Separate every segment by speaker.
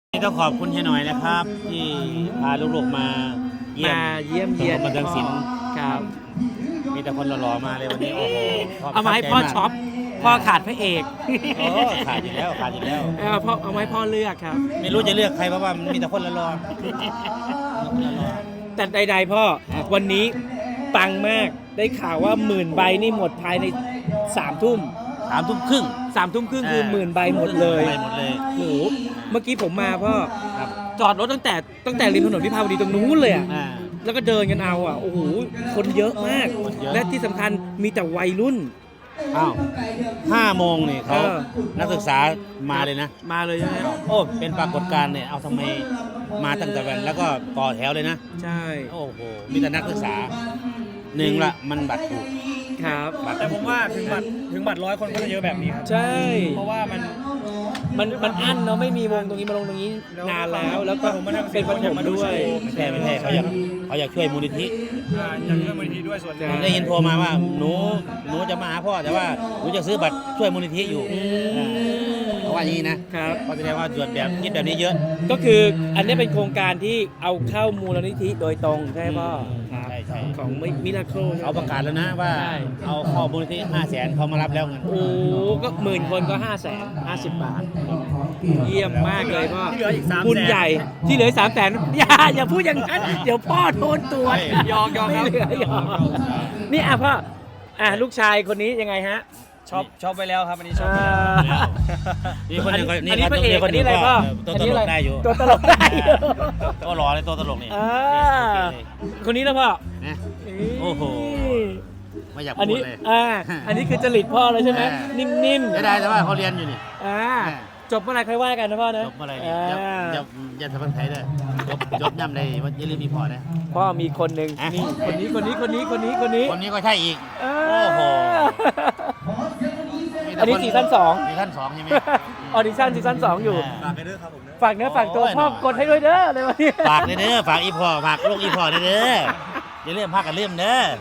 Speaker 1: ต้องขอบคุณเฮียหน่อยนะครับที่พาลูกๆมาเยี่ยม
Speaker 2: เยียน
Speaker 1: บันเทิงศิลป์
Speaker 2: ครับ
Speaker 1: มีแต่คนหล่อๆมาเลยวันนี้โอ้โห
Speaker 2: เอามาให้พ่อช็อปพ่อขาดพระเอก
Speaker 1: โอ้ขาดอยู่แล้วขาดอยู่แล้ว
Speaker 2: พ่อเอาไว้พ่อเลือกครับ
Speaker 1: ไม่รู้จะเลือกใครเพราะว่ามันมีแต่คนหล่อ
Speaker 2: แต่ใดๆพ่อวันนี้ปังมากได้ข่าวว่า10,000 ใบนี่หมดภายใน3 ทุ่ม
Speaker 1: 3 ทุ่มครึ่ง
Speaker 2: 3 ทุ่มครึ่งคือ10,000 ใบหมดเลย
Speaker 1: ไปหมดเลย
Speaker 2: โอ้โหเมื่อกี้ผมมาพ่อ
Speaker 1: ครับ
Speaker 2: จอดรถตั้งแต่ริมถนนวิภาวดีตรงนู้นเลยอ่ะ
Speaker 1: อ่า
Speaker 2: แล้วก็เดินกันเอาอ่ะโอ้โหคนเยอะมาก
Speaker 1: เยอะ
Speaker 2: และที่สำคัญมีแต่วัยรุ่น
Speaker 1: อ้าว5 โมงนี่เขา
Speaker 2: เออ
Speaker 1: นักศึกษามาเลยนะ
Speaker 2: มาเลยใช่ไหม
Speaker 1: โอ้เป็นปรากฏการณ์เนี่ยเอาทำไมมาตั้งแต่วันแล้วก็ต่อแถวเลยนะ
Speaker 2: ใช่
Speaker 1: โอ้โหมีแต่นักศึกษาหนึ่งละมันบัตรถูก
Speaker 2: ครับ
Speaker 3: แต่ผมว่าถึงบัตร100 คนก็จะเยอะแบบนี้ครับ
Speaker 2: ใช่
Speaker 3: เพราะว่ามัน
Speaker 2: มันอั้นเนาะไม่มีวงตรงนี้มาลงตรงนี้นานแล้วก็เป็นปฐมด้วย
Speaker 1: ไม่ใช่เขาอยากช่วยมูลนิธิ
Speaker 3: อยากเลือกมูลนิธิด้วยส่วนหนึ่ง
Speaker 1: ผมได้ยินโทรมาว่าหนูจะมาหาพ่อแต่ว่าหนูจะซื้อบัตรช่วยมูลนิธิอยู่เขาว่าอย่างนี้นะครับ เขาแสดงว่าส่วนแบบคิดแบบนี้เยอะ
Speaker 2: ก็คืออันนี้เป็นโครงการที่เอาเข้ามูลนิธิโดยตรงใช่ไหมพ่อ
Speaker 1: ใช่ใช่
Speaker 2: ของมิราเคิล
Speaker 1: เขาประกาศแล้วนะว่า
Speaker 2: ใช่
Speaker 1: เอาเข้ามูลนิธิ500,000เขามารับแล้วเงิน
Speaker 2: โอ้ก็10,000 คนก็550 บาท เยี่ยมมากเลยพ่อ
Speaker 3: ที่เหลืออีก300,000
Speaker 2: บุญใหญ่ที่เหลือ300,000อย่าพูดอย่างนั้นเดี๋ยวพ่อโดนตัวจ
Speaker 3: ยอกครับ
Speaker 2: ไม่เหลือยอกนี่อ่ะพ่อลูกชายคนนี้ยังไงฮะ
Speaker 3: ชอบไปแล้วครับอันนี้ชอบไป
Speaker 2: อ่า
Speaker 3: แล้ว
Speaker 1: นี่คนนึง
Speaker 2: อันนี้พระเอกอันนี้อะไรพ่อ
Speaker 1: ตัวตลกได้อยู่
Speaker 2: ตัวตลกได้อยู่
Speaker 1: ตัวหล่อเลยตัวตลกนี่
Speaker 2: อ่าคนนี้นะพ่อ
Speaker 1: นะโอ้โหไม่อยาก
Speaker 2: อัน
Speaker 1: พู
Speaker 2: นี้
Speaker 1: ดเลย
Speaker 2: อันนี้คือจริตพ่อเลยใช่ไหม นิ่ม
Speaker 1: ไม่ได้แต่ว่าเขาเรียนอยู่นี่
Speaker 2: จบเมื่อไหร่ค่อยว่ากันนะพ่อนะ
Speaker 1: จบเมื่อไหรเนี่ยอย่าทำเป็นไทยเลยจบย่ำเลยว่าอย่าลืมมีพอนะ
Speaker 2: พ่อมีคนหนึ่ง
Speaker 1: อ่ะ
Speaker 2: นี่คนนี้
Speaker 1: คนนี้ก็ใช่อีก
Speaker 2: เอ
Speaker 1: โอ้โห
Speaker 2: อันนี้ซีซั่น2
Speaker 1: ซีซั่น2ใช่ไหม
Speaker 2: ออดิชั่นซีซั่น2อยู่
Speaker 3: ฝากไปด้วยครับผม
Speaker 2: ฝากเนื้อฝากตัวพ่อกดให้ด้วยเด้อเลยวันนี้
Speaker 1: ฝากเลยเด้อฝากอีพอฝากลูกอีพอเด้ออย่าเลื่อมพากันเลื่อมเด้อ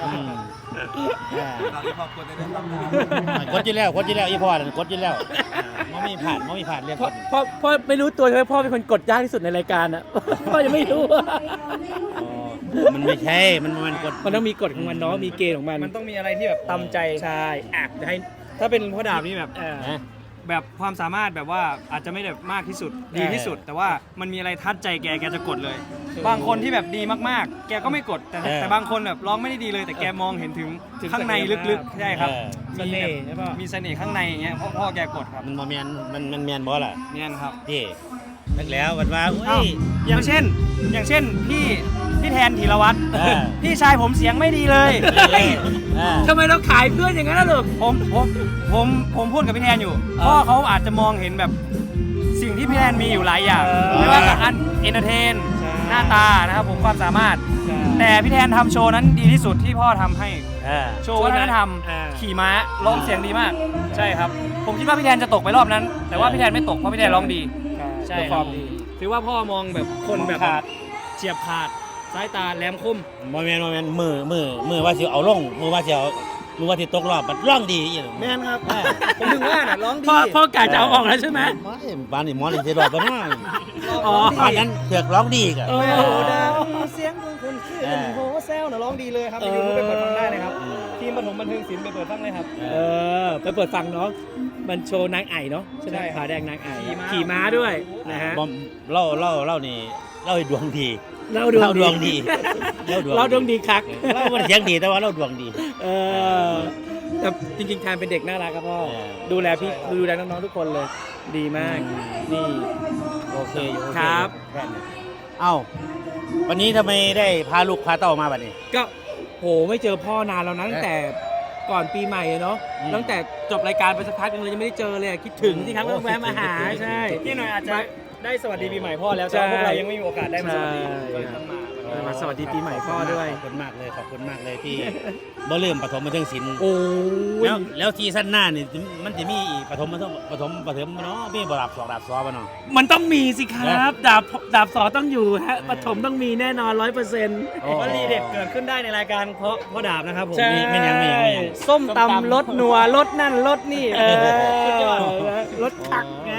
Speaker 3: ฝากที่ครอบครัวด้วยนะครับ
Speaker 1: กดอยู่แล้วอีพอน่ะกดอยู่แล้วมันมีผ่านเรียก
Speaker 2: พ่อไม่รู้ตัวใช่ไหมพ่อเป็นคนกดยากที่สุดในรายการอ่ะ พ่อยังไม่รู้
Speaker 1: มันไม่ใช่มันกด
Speaker 2: มันต้องมีกฎของมันเนาะมีเกณฑ์ของมัน
Speaker 3: มันต้องมีอะไรที่แบบตำใจ
Speaker 2: ใช่จะให้
Speaker 3: ถ้าเป็นพ่อดาบนี่แบบ
Speaker 1: นะ
Speaker 3: แบบความสามารถแบบว่าอาจจะไม่ได้มากที่สุดดีที่สุด แต่ว่ามันมีอะไรทัดใจแกจะกดเลย บางคนที่แบบดีมากๆ แกก็ไม่กดแต่บางคนแบบร้องไม่ได้ดีเลย แต่แกมองเห็นถึงข้างในลึกๆใช่ครับ
Speaker 2: เสน่ห์ใช่ป่ะ
Speaker 3: มีเสน่ห์ข้างในอย่างเงี้ยพ่อแกกดครับ
Speaker 1: มันแมนมันแมนบอสล่ะ
Speaker 3: เนี่ยครับ
Speaker 1: พี่นึกแล้ววันว่า
Speaker 3: อ้าวอย่างเช่นพี่แทนธีรวัตร
Speaker 1: เออ
Speaker 3: พี่ชายผมเสียงไม่ดีเลย
Speaker 2: ทำไมเราขายเพื่อนอย่างนั้นล่ะลูก
Speaker 3: ผมพูดกับพี่แทนอยู่พ่อเขาอาจจะมองเห็นแบบสิ่งที่พี่แทนมีอยู่หลายอย่าง
Speaker 2: เออ
Speaker 3: ไม่ว่าจะเอนเตอร์เทน
Speaker 2: ใช่
Speaker 3: หน้าตานะครับผมความสามารถ แต่พี่แทนทำโชว์นั้นดีที่สุดที่พ่อทำให้โชว์วัฒนธรรมขี่ม้าร้องเสียงดีมาก ใช่ครับ ผมคิดว่าพี่แทนจะตกไปรอบนั้น แต่ว่าพี่แทนไม่ตกเพราะพี่แทนร้องดี ใช่
Speaker 2: ความดี
Speaker 3: ถือว่าพ่อมองแบบคนแบบ
Speaker 2: ขาด
Speaker 3: เฉียบขาดสายตาแหลมคม
Speaker 1: โมเมนต์มือว่าสิเอาลงมือว่าสิตกรอบมันร่องดีอย่าง
Speaker 3: แม่นครับ ผมถึงว่าน่ะร้องดี
Speaker 2: พ่อกะจะเอาออกแล้วใช่ไหม
Speaker 1: ไม่บ้านนี่หมอนี่สิรอดบ่เนาะ
Speaker 2: อ๋อ
Speaker 1: บ้านนั้นเถือกร้องดีกะ
Speaker 2: เออ
Speaker 3: โอ้ดังเสียงของคนชื่อโหแซวน่ะร้องดีเลยครับไปดูไปเปิดฟังได้เลยครับทีมปฐมบันเทิงศิลป์ไปเปิดฟังเลยครับ
Speaker 2: ไปเปิดฟังน้องมันโชว์นางไอ่เนาะใช่ไหม
Speaker 3: ใช่ครับ
Speaker 2: ผาแดงนางไอ่
Speaker 3: ขี่ม้า
Speaker 2: ขี่ม้าด้วยนะฮะ
Speaker 1: บอมเล่านี่เล่าให้ดวงดี
Speaker 2: เรา
Speaker 1: เล่าดวงดี
Speaker 2: เราดวงดีคัก
Speaker 1: เล่ามันเสียงดีแต่ว่าเล่าดวงดี
Speaker 2: เออแต่จริงๆแทนเป็นเด็กน่ารักครับพ่อ
Speaker 1: เออ
Speaker 2: ดูแลน้องๆทุกคนเลย ดีมาก นี่
Speaker 1: โอเคอยู่โอเ
Speaker 2: ครับ
Speaker 1: แค่นี้เอ้าวันนี้ทำไมได้พาลูกพาเต้ามาบัดนี้
Speaker 2: ก็โหไม่เจอพ่อนานแล้วนะตั้งแต่ก่อนปีใหม่อะเนาะ
Speaker 1: อืม
Speaker 2: ตั้งแต่จบรายการไปสักพักนึงเลยยังไม่ได้เจอเลยอะคิดถึงที่ครับ
Speaker 1: โอ้
Speaker 2: ต้องแวะมาหา
Speaker 1: คิดถึง
Speaker 2: ใช่
Speaker 3: พี่หน่อยอาจจะได้สวัสดีปีใหม่พ่อแล้ว
Speaker 2: ใช่
Speaker 3: แต่ว่าพวกเรายังไม่มีโอกาสได้มาสวัสดี
Speaker 2: ใช่
Speaker 3: ก็เลยต้องมา
Speaker 2: มาสวัสดีปีใหม่พ่อด้วย
Speaker 1: ขอบคุณมากเลยที่ บ่ลืมปฐมบันเทิงศิลป์
Speaker 2: โอ้ย
Speaker 1: แล้วซีซั่นหน้านี่มันจะมีอีกปฐมเนาะมีบ่ดาบ2ดาบ2บ่เนาะ
Speaker 2: มันต้องมีสิครับ ดาบสอต้องอยู่ฮะปฐมต้องมีแน่นอน 100%
Speaker 1: โอ้
Speaker 3: วลีเด็ดเกิดขึ้นได้ในรายการเพราะพ่อดาบนะครับผม
Speaker 2: ใช่
Speaker 1: ไม่ยัง
Speaker 3: ส้มตำรสนัวรสนั่นรสนี่
Speaker 2: เออ
Speaker 3: สุดยอด
Speaker 2: รถถัก
Speaker 3: ใ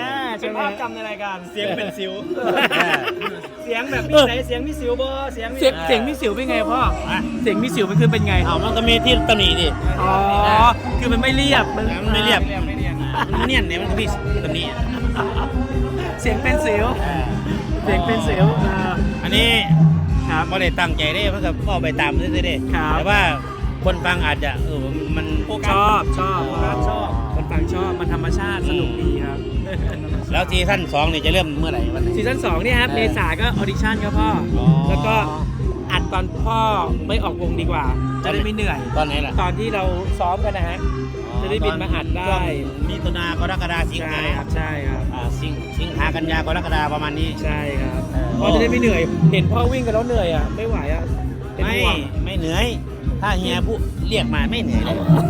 Speaker 2: ใช่ไหม
Speaker 3: ภาพจำในรายการ
Speaker 2: เสียงเป็นสิว
Speaker 3: เสียงแบบมีเสียงมีสิวบ่เสียงมี
Speaker 2: เสียงมีสิวเป็นไงพ่อ เสียงมีสิวมันคือเป็นไง
Speaker 1: เอามันก็มีที่ตำหนิดิ
Speaker 2: อ๋อ คือมันไม่เรียบ มัน
Speaker 1: มันไม่เรียบ
Speaker 3: ไม่เรียบ
Speaker 1: มันเนี่ยเนี่ยมันก็มีตำหนิ
Speaker 2: เสียงเป็นสิว เสียงเป็นสิว
Speaker 1: อันนี้
Speaker 2: ครับ
Speaker 1: ไม่ได้ตั้งใจได้มันก็เข้าไปตามซื่อๆเด้
Speaker 2: ครับ
Speaker 1: แต่ว่าคนฟังอาจจะมัน
Speaker 2: ชอบคนฟังชอบ มันธรรมชาติ สนุกดีครับ
Speaker 1: แล้วซีซั่น2นี่จะเริ่มเมื่อไหร่วันไหน
Speaker 2: ซีซั่น2เนี่ยครับ เมษาก็ออดิชั่นครับพ่อ
Speaker 1: อ๋อ
Speaker 2: แล้วก็อัดตอนพ่อไม่ออกวงดีกว่า จะได้ไม่เหนื่อย
Speaker 1: ตอนไหนล่ะ
Speaker 2: ตอนที่เราซ้อมกันนะฮะ จะได้บินมาอัดได้
Speaker 1: ช่วงมิถุนากรกฎาสิง
Speaker 2: ใช่
Speaker 1: หา
Speaker 2: ครับ ใช่ครับ
Speaker 1: สิงหากันยากรกฎาประมาณนี้
Speaker 2: ใช่ครับ
Speaker 1: เออ
Speaker 2: พ่อจะได้ไม่เหนื่อย เห็นพ่อวิ่งกันแล้วเหนื่อยอ่ะ ไม่ไหวอ่ะเป็น
Speaker 1: ไม่
Speaker 2: ห่วง
Speaker 1: ไม่เหนื่อย ถ้าเฮียผู้เรียกมาไม่เหนื่อยเลย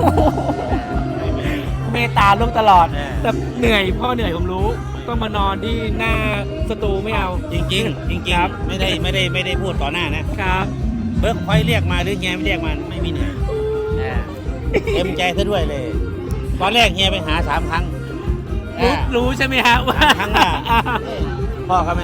Speaker 2: เมตตาลูกตลอด
Speaker 1: เออ
Speaker 2: แต่เหนื่อยพ่อเหนื่อยผมรู้ ต้องมานอนที่หน้าสตูไม่เอา
Speaker 1: จริงๆจริง
Speaker 2: ครับ
Speaker 1: ๆไม่ได้พูดต่อหน้านะครับ เบิร์กคอยเรียกมาหรือเฮียไม่เรียกมาไม่มีเหนื่อยเต็มใจซะด้วยเลย ตอนแรกเฮียไปหา3 ครั้ง
Speaker 2: รู้ใช่ไหมฮะว่า
Speaker 1: ครั้งว่าพ่อเขา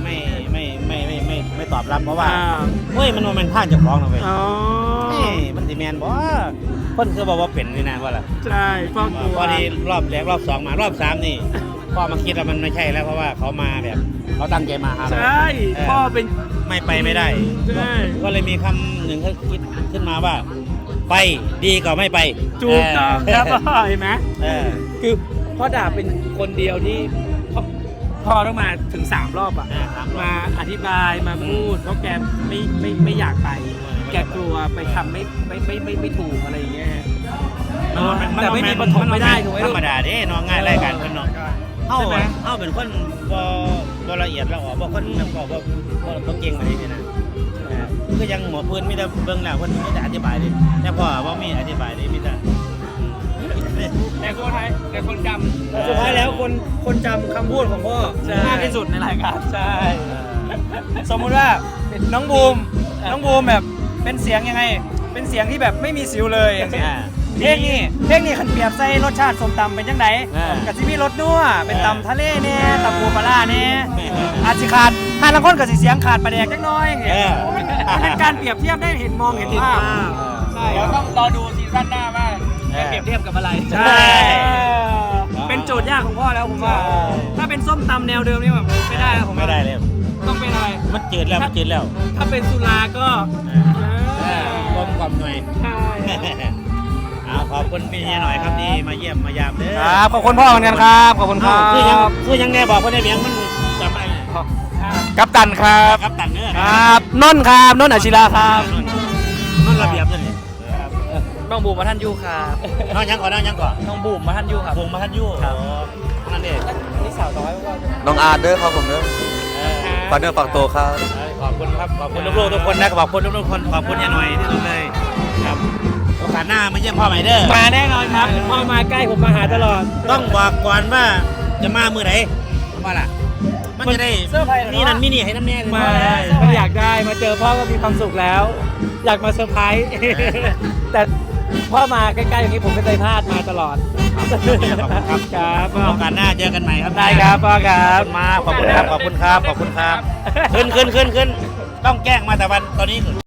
Speaker 1: ไม่ตอบรับเพราะว่าเฮ้ยมันโมเมนท่านเจะคล้าของเราไป
Speaker 2: อ๋อ
Speaker 1: มันสิแมนบ่คนคือบอกว่าเป็นนี่นะว่าล่ะ
Speaker 2: ใช่พ่อกลัว
Speaker 1: พอดีรอบแรกรอบ2มารอบ3นี่พ่อมาคิดว่ามันไม่ใช่แล้วเพราะว่าเขามาแบบเขาตั้งใจมาหาเรา
Speaker 2: ใช่พ่อเป็น
Speaker 1: ไม่ไปไม่ได้
Speaker 2: ใช่
Speaker 1: ก็เลยมีคำหนึ่งเขาคิดขึ้นมาว่า ไปดีกว่าไม่ไป
Speaker 2: ถูกต้องครับพ่อเห็นไหม
Speaker 1: เออ
Speaker 2: คือพ่อดาบเป็นคนเดียวที่พ่อต้องมาถึง3 รอบอ่ะ มาอธิบายมาพูดเพราะแกไม่อยากไป แกกลัวไปทำไม่ถูกอะไรอย่างเงี้ยฮะแต่ไม่มีปฐมไม่ได้ถูกไหม
Speaker 1: ธร
Speaker 2: ลูก
Speaker 1: รมดาเด้น้องง่ายรายการเพิ่นเนาะเฮา
Speaker 2: ใช่ไหม
Speaker 1: เฮาเป็นคนบ่ละเอียดละออบ่คนแบบบ่เก่งมานี่นะคือยังหมอพื้นมีแต่เบิ่งแล้วเพิ่นมีแต่อธิบายดิแต่พ่อบ่มีอธิบายดิมีแต่
Speaker 2: แต่คนจำสุดท้ายแล้วคนจำคำพูดของพ่อ
Speaker 3: มากที่สุดในรายการ
Speaker 2: ใช่
Speaker 3: สมมุติว่าน้องบูมแบบเป็นเสียงยังไง เป็นเสียงที่แบบไม่มีสิวเลยอย่างเช่นเพลงนี้ขันเปรียบใส่รสชาติส้มตำเป็นจังไดกะสิมีรสนัวเป็นตำทะเลเนี่ยตำปูปลาร้าเนี่ยอาจสิขาดถ้าลังคนกับสิเสียงขาดปลาแดกจักหน้อยอย่างเงี้ยมันเป็นการเปรียบเทียบได้เห็นเห็นภาพใช่
Speaker 2: เดี๋ยวต้องรอดูซีซั่นหน้าว่าจะเปรียบเทียบกับอะไร
Speaker 1: ใช่
Speaker 3: เป็นโจทย์ยากของพ่อแล้วผมว่า ถ้าเป็นส้มตำแนวเดิมนี่แบบไม่ได้แล้วผม
Speaker 1: ไม่ได้เลย
Speaker 3: ต้องเป็นอะไร
Speaker 1: มันจืดแล้วมันจืดแล้ว
Speaker 2: ถ้าเป็นสุราก็
Speaker 1: กลมกล่อมหน่อย
Speaker 2: ใช่
Speaker 1: เอาขอบคุณพี่เฮียหน่อยครับที่มาเยี่ยมมายามเด้อ
Speaker 3: ครับขอบคุณพ่อเหมือนกันครับขอบคุณครั
Speaker 1: คือยังแน่บอกว่าได้เลี้ยงมันจำอะไรเนี่ย
Speaker 3: กัปตันครับ
Speaker 1: ครับตันเนื้อ
Speaker 3: ครับนนท์ครับนนท์อาชิราครับ
Speaker 1: นั่นระเบียบเลย
Speaker 3: น้องบูมมาท่านยูครับ
Speaker 1: น้องยังก่อนน้องยังก่อน
Speaker 3: น้องบูมมาท่านยูครับ
Speaker 1: วงมาทันยู่นั่นเอง
Speaker 2: นี่สาวน้อยว่า
Speaker 4: น้องอาร์ตเด้อครับผมเด้อฝากเนื้อฝากตัวครับ
Speaker 1: ขอบคุณครับขอบคุณลูกๆทุกคนนะขอบคุณลูกๆทุกคนขอบคุณยายหน่อยที่สุดเลยครับโอกาสหน้ามาเยี่ยมพ่อใหม่เด้อ
Speaker 2: มาแน่นอนครับพ่อมาใกล้ผมมาหาตลอด
Speaker 1: ต้องบอกก่อนว่าจะมามือไหนว่าล่ะมันจะได้นี่นั่นมินี่ให้น้ำแน่
Speaker 2: มาถ้าอยากได้มาเจอพ่อก็มีความสุขแล้ว อยากมาเซอร์ไพรส์ แต่พ่อมาใกล้ๆอย่างนี้ผมไม่เคยพลาดมาตลอด ครับพ่อ
Speaker 1: โอกาสหน้าเจอกันใหม่ครับ
Speaker 2: ได้ครับพ่อครับ
Speaker 1: ขอบคุณครับขอบคุณครับขอบคุณครับขึ้นต้องแกล้งมาแต่วันตอนนี้